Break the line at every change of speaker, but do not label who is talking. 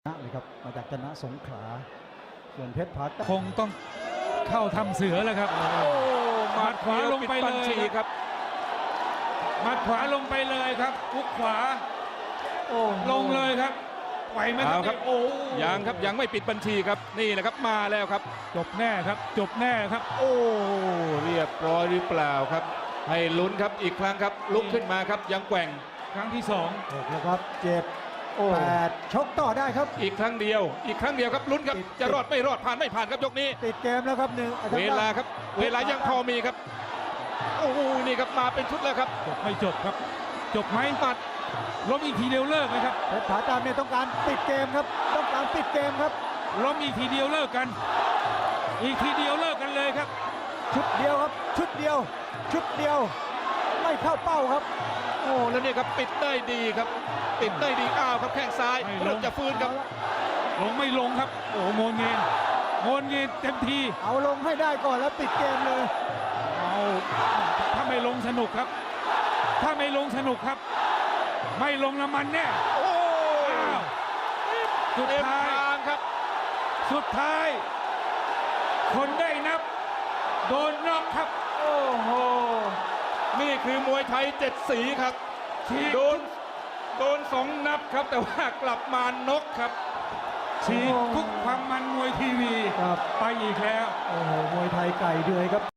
เลยครับมาจากจันทสงขลาส่วนเพชรผา
คงต้องเข้าทำเสือแล้วครับหมัดขวาลงไปเลยครับหมัดขวาลงไปเลยครับคุกขวาลงเลยครับไหวไหมครับโอ้ยังครับยังไม่ปิดบัญชีครับนี่แหละครับมาแล้วครับจบแน่ครับจบแน่ครับ
โอ้เรียบร้อยหรือเปล่าครับให้ลุ้นครับอีกครั้งครับลุกขึ้นมาครับยังแกว่ง
ครั้งที่2
6แล้วครับ7 8ชกต่อได้ครับ
อีกครั้งเดียวครับลุ้นครับจะรอดไม่รอดผ่านไม่ผ่านครับยกนี้
ติดเกมแล้วครับ
เวลาครับเวลายังพอมีครับโอ้โหนี่ครับมาเป็นชุดแล้วครับ
จบไม่จบครับจบไหมปัดล้มอีกทีเดียวเลิกไหมครับ
เพชรผาตามเนี่ยต้องการปิดเกมครับต้องการปิดเกมครับ
ล้มอีกทีเดียวเลิกกันอีกทีเดียวเลิกกันเลยครับ
ชุดเดียวครับชุดเดียวไม่เข้าเป้าครับ
โอ้แล้วนี่ครับปิดได้ดีครับปิดได้ดีอ้าวครับแข้งซ้ายเริ่มจะฟื้นครับ
ลงไม่ลงครับโอ้โงนเงินเต็มที
เอาลงให้ได้ก่อนแล้วปิดเกมเลย
เอาถ้าไม่ลงสนุกครับถ้าไม่ลงสนุกครับไม่ลงน้ำมันแน่
โอ้
สุดท้าย
ครับ
สุดท้ายคนได้นับโดนน็อกครับ
โอ้โหนี่คือมวยไทย7 สีครับโดน2 นับครับแต่ว่ากลับมาน็อกครับ
ฉีกทุกความมันมวยทีวีไปอีกแล้ว
โอ้โหมวยไทยไก่เดือยครับ